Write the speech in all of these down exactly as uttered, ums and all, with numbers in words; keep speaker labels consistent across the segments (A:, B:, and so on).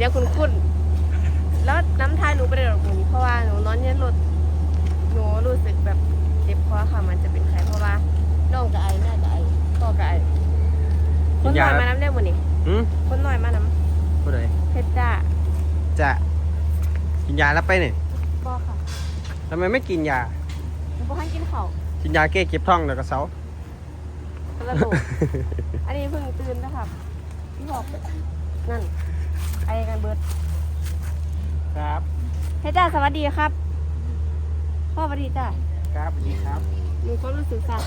A: ยังคุ้นๆแล้วน้ำทายหนูไปได้หรอกหนูเพราะว่าหนูนอนเย็นรถหนูรู้สึกแบบเจ็บคอค่ะมันจะเป็นไข้เพราะว่าน้องกับไอ้แม่กับไอ้พ่อกับไอ้คนหน่อยมาน้ำได้หมดนี่คนหน่อยมาน้ำ
B: ผู้ใด
A: เพชรจ้า
B: จะกินยาแล้วไปเนี่ย
A: พ่อค่ะ
B: ทำไมไม่กินยา
A: หนูพ่อให้กินข้าว
B: กินยาแก้เก็บท้องเดี๋ยวก็เซา
A: กระโดดอันนี้เพิ่งตื่นนะครับพี่บอกนั่นไอ้กันเบิร์ด
B: ครับ
A: เพชรจ้าสวัสดีครับพ่อสวัสดีจ้า
B: ครับสวัสดีครับ
A: หนูก็รู้สึกสัก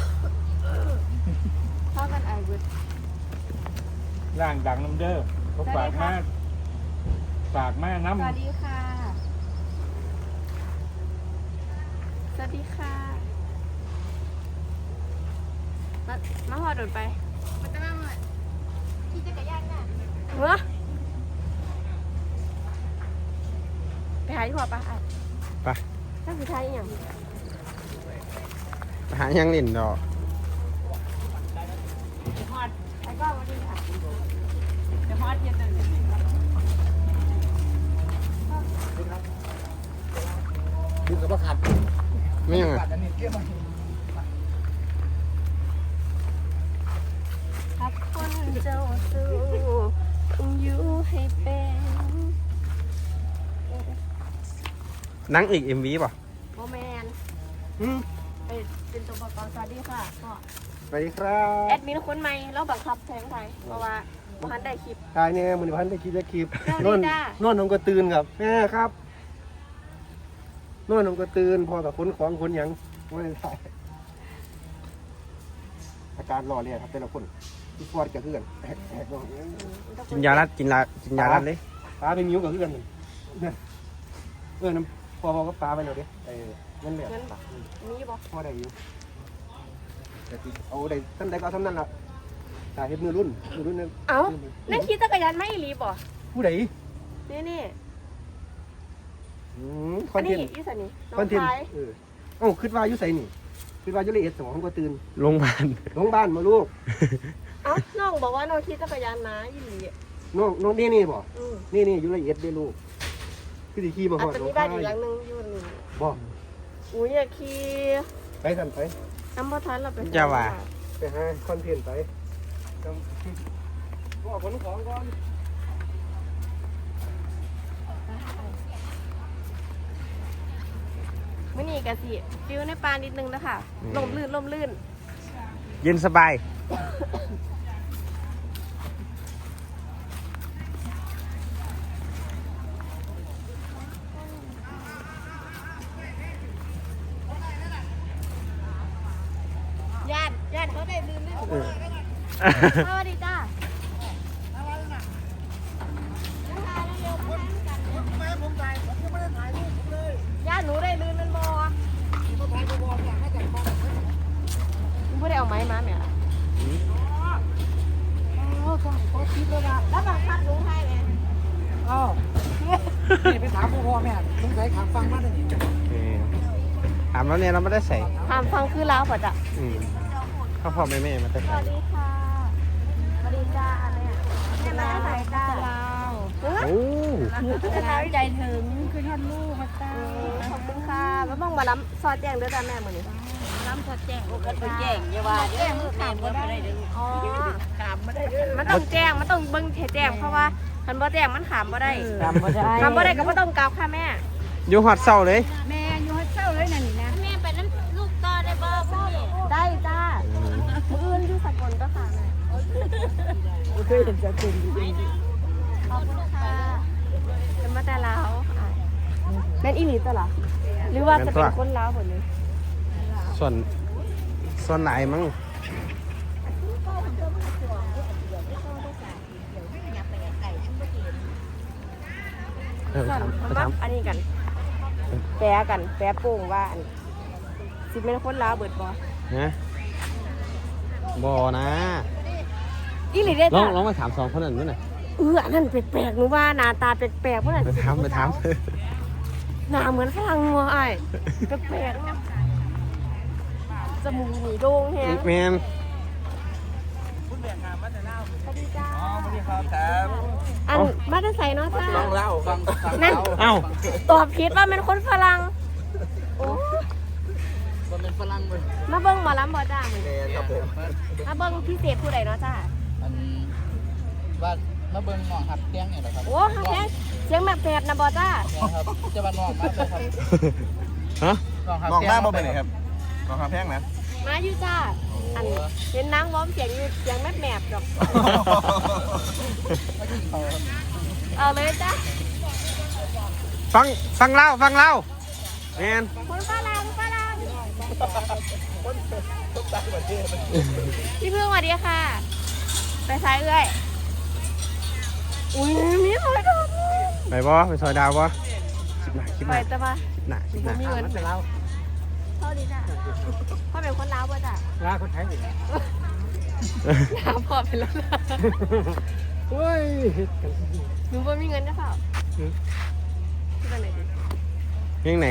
A: พ่อกันไอ้เบิร์ด
C: ร่างดังน้ำเด้อเขาฝากมาฝากมาน้ำ
A: สวัสดีค่ะสวัสดีค่ะมามาพอโดดไปมันจะมาหมดขี่จักรยานน่ะเหรอไปหาที่พ่อปะ
B: ไป
A: ตั้งสุดท้ายอย่าง
B: ไปหายังเล่นดอก
A: ฮอดไอ้ก้อนมาดีค่ะจะฮอดเย็นเลย
C: ดูกับว่าขาด
B: ไม่ยังไง
A: ครับคนเจ้าสู้ต้องอยู่ให้เป็น
B: นังอีก เอ็ม วี ป่ะ
A: โมแมนเป็นตัวประกอบสวัสดีค่ะพ่อ
B: สวัสดีครับ
A: แอดมินคนใหม่เราบังคับแทงไทยเพราะว่าพันได้คลิป
B: ตายเนี่ยมันพันได้คลิปได้คลิป
A: นอน
B: นอนน้องก็ตื่นครับแม่ครับนอนน้องก็ตื่นพอกับคนของคนยังไม่ได้ถ่ายอาการรอเนี่ยครับแต่ละคนที่ฟอดกับเพื่อนกินยาลัดกินยากินยาลัดเลยปลาเป็นมิ้วกับเพื่อนเนี่ยเออน้ำพอพอก็ปลาไปเลยดิไอ้เงินเหลือ
A: เงินบ่มีบ่
B: พอได้อยู่แต่เอาได้ท่านใดก็ทำนั่นละตายเห็นมือรุ่นมือรุ่นนั่น
A: เอ้านั่นขี่จักรยานไม่รีบบ่
B: ผู้ใด
A: นี่นี่
B: คอนเทนต์
A: ยูใส่นี่
B: คอนเทนต์เออเอ้าคิดว่ายูใส่นี่คิดว่ายูละเอียดสมองก็ตื่น
C: โรงพยาบาล
B: โรงพยาบาลมาลูก
A: เอ้าน้องบอกว่าน้องขี่จักรยานนะยี่หลี
B: น้องน้องนี่นี่บ่นี่นี่ยูละเอียดได้ลูกคือที่ขี่มาหอด
A: อาจจะมีบ้านอีกหลังนึงอยู่นี่
B: บ่
A: อุ้ยอยากขี่
B: ไปกันไป
A: น้ำบ่ทันเราไป
B: จะว่าไปหาคอนเทนต์ไปก็ขนของก่อน
A: มื่อนี้กะสิฟิวในปลานิดนึงนะคะลมลื่นลมลื่น
B: เย็นสบาย
A: ญาติญาติเขาได้ลื่นลื่นสวัสดีจ้าญาติหนูได้ลื่นมันบ่ไม่ได้เอาไม้มาเนี่ยโอ้ก็ก็คิดเลยว่าแล้วบังคับลุงให้ไหม
C: อ๋อนี่ไปถามพ่อแม่ลุงใส่ขามฟังมาได้ยัง
B: ถามแล้วเนี่ยเราไม่ได้ใส่
A: ถามฟังคือแล้วป่ะจ๊ะ
B: พ่อพ่อแม่แม่มาแต่
A: สวัสดีค่ะสวัสดีจ้าเนี่ยแม่มาใส่จ้าโอ้จะน้ำใจถึงคือท่านลูกมาจ้าขอบคุณค่ะแล้วบ้องมาล้ำซอสแจ้งด้วยจ้าแม่เหมือนนี้ล้ำซอสแจ้งก็เป็นแจ้งอย่าว่าแจ้งมันขามไม่ได้อ๋อขามไม่ได้มันต้องแจ้งมันต้องเบิ้งแจ้งเพราะว่าคันบ่แจ้งมันขามไม่ได้ขามไม่ได้ขามไม่ได้ก็ไม่ต้องกล่าวค่ะแม่
B: อยู่หอดเศร้าเลย
A: แม่อยู่หอดเศร้าเลยนั่นนี่นะแม่ไปน้ำลูกต่อได้บ่พ่อได้จ้ามืออื่นอยู่สกลก็ค่ะแม่โอเคเห็นจะเป็นขอบคุณค่ะจะมาแต่ลาวแม่นอีหลีตัวหรอหรือว่าจะเป็นคนลาวหมดเลย
B: ส่วนส่วนไหนมั้ง
A: ส่วนมาอันนี้กันแปะกันแปะโป่งว่าสิเป็นคนลาวเบิดบอ
B: นะบอนะ
A: อีหลีได้
B: ลองลองมาถามสองคนนั้นด้วยหน่อย
A: เออนั่นแปลกๆหนูว่าหน้าตาแปลกๆเพราะอะไร
B: ไปถามไปถาม
A: หน้าเหมือนฝรั่งงัวไอ้แปลกจมูกหนีโด่งแฮะ
B: แมน
A: สวัสดีจ้าอันมาจะใส่เนาะจ้า
B: ฟังเล่าฟังฟัง
A: นั่น
C: เอ้า
A: ตอบผิดว่าเป็นคนฝรั่งโอ้
B: มันเป็นฝรั่งเลย
A: มาเบิ้งหมอลำบ่จ้า
B: แมนครับผม
A: มาเบิ้งพิเศษผู้ใดเนาะจ้า
D: อันว่ามาเบิ่งหนองหับเตียงเนี่ยแหละครับ
A: โอ้ฮักแท้เสียงแบบแผดนะบ่จ้า
D: เนี่ยครับจะมาหนองมากเลยครับ
C: ฮะ
D: หนองหับ
B: มอง
D: เตีย
B: หน้าง บ่เป็นไงครับมองหาแพงนะ
A: มาอยู่จ้าอันเห็นนางว้อมเสียงอยู่เสียงแมบแมบๆดอกเอาเลยจ้า
C: ฟังฟังเล่าฟังเล่าแมน
A: คนฝรั่งฝรั่งพี่พึ่งสวัสดีค่ะ ไปซ้ายเอ้ยอุ้ยมีหอยดอก
C: ไปบ่ไปซอยดาวบ่คลิปหน้าคลิปห
A: ไป
C: น้า
A: แต่ว่า
C: คลิปหน้าคลิปหน้า
A: มีเงินเท่าดีจ้ะพ่อเป็นคนลาวป่ะจ้ะ
C: ลาคนไทยอีก
A: ลาวพ่อเป็นแล้วนะ
C: เฮ้ย
A: หนูบ่มีเงินได้เปล่าที่ไปไหนดี
C: เพลงไหน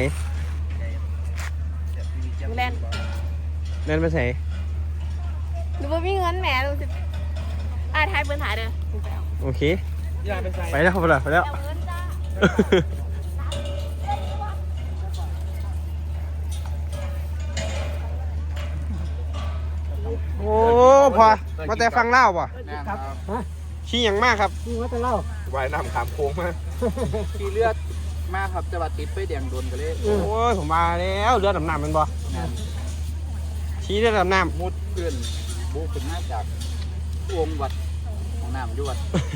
A: ดูแลน
C: เล่นไปใส่
A: หนูบ่มีเงินแหมหนูสิอ่าทายเปิ้นถ่ายเด้อหนูไปเอา
C: โอเคไปแล้วไปแล้วไปแล้ว
A: เอาเงินจ้า
C: โอ้พอมาแต่ฟังเล่าป่ะ
D: ครับ
C: ขี้ยังมากครับ
B: ว่ายน้ำขามโค้งมา
D: ขี่เลือดมากครับจะมาติดไปแดงโดนกันเลย
C: โอ้ยผมมาแล้วเรือดำน้ำมันบ่ชี้เรือดำน้
D: มุดเพื่อนบูขึ้นมาจากวงวัดของน้ำยวด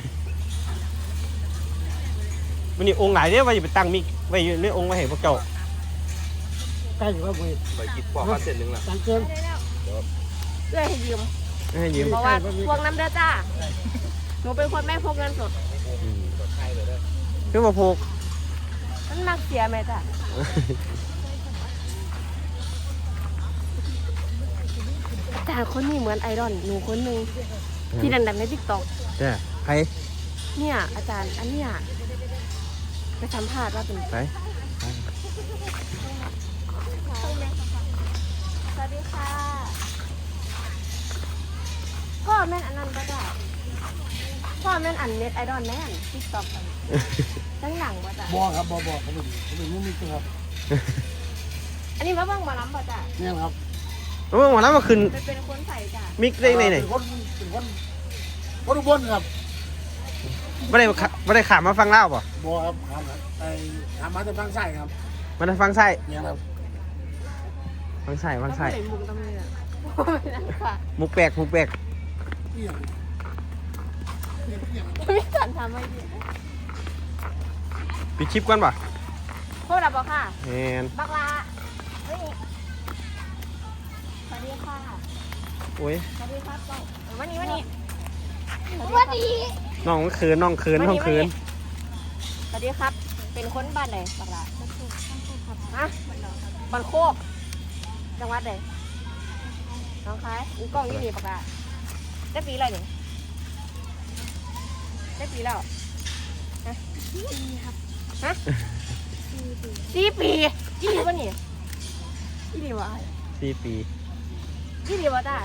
C: ำวันนี้องค์ไหนเนี่ยว่าอยู่ไปตั้งมิกไว้อยู่ในองค์ไว้ให้พวกเจ้า
B: ไปกินปอกข้าวเส้นหนึ่งละ
A: เพื่อให้ยืม
C: ให้ยืม
A: เพราะว่าพวงน้ำเด้อจ้าหนูเป็นคนไม่พกเงินสด
C: เพื่อมาพก
A: มันมักเสียไหมจ้ะอาจารย์คนนี้เหมือนไอดอลหนูคนหนึ่งที่ดังๆในติ๊กต็อก
C: ใช่ใคร
A: เนี่ยอาจารย์อันเนี้ยไปสัมภาษณ์ว่าเป็น
C: ไป
A: สวัสดีค่ะพ่อแม่นอันนั้นก็ได้พ่อแม่นอันเน็ตไอดอลแม่นติ๊กต็อกตั้งหลังป่ะจ้ะ
E: บอครับบอบอผมเป็นผมเป็นมุ้งมิ้งครับ
A: อันนี้มาเบ้างหมาล้ำป่ะจ้ะ
E: เนี่ยครับ
C: โอ้วันนั้นมาขึ้น
A: ไปเป็นคนใส่จ้ะ
C: มิกได้ไหนไหน
E: เป็นคนเป็นคนคนอุบลครับ
C: ไม่ได้ขาไม่ได้ขามาฟังเล่าป่ะ
E: บอครับครับไอ้ถามมาแต่ฟังไส้ครับ
C: มาได้ฟังไส้
E: เนี่ยครับ
C: ฟังไส้ฟังไส้
A: ต้องไปมุงตำเนือไม่นั่นค่ะ
C: มุกแปลกมุกแปลก
E: เอี่ยง
A: ไม่สันทำไม่ดี
C: ปิดคลิปก่อนป่ะ
A: โทษดับบอกค่ะ
C: แมน
A: บักลาเฮ้ยสวัสดีค่ะ
C: โอ้ย
A: สวัสดีครับเจ้าวันนี้วันนี้สวัสดี
C: น้องคืนน้องคืนน้องคืน
A: สวัสดีครับ เป็นคนบ้านไหนบักลาฮะบ้านโคกจังหวัดไหนน้องคายอุ้งกล้องยี่นี่บักลาได้ปีอะไรเนี่ยได้ปีแล้วฮะฮะสี่ปียี่ดีวะนี่ยี่ดีวะ
C: สี่ปี
A: ยี่ดีวะจ้า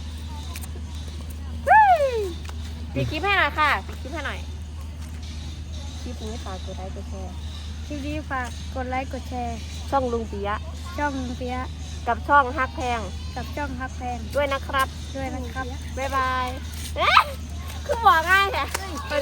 A: เฮ้ยปิดคลิปให้หน่อยค่ะปิดคลิปให้หน่อยคลิปนี้ฝากกดไลค์กดแชร์
F: คลิปนี้ฝากกดไลค์กดแชร์
A: ช่องลุงปิยะ
F: ช่องเปียะ
A: กับช่องฮักแพง
F: กับช่องฮักแพง
A: ด้วยนะครับ
F: ด้วยนะครับ
A: บ๊ายบายเอ๊ะคือบอกง่ายแค่ไป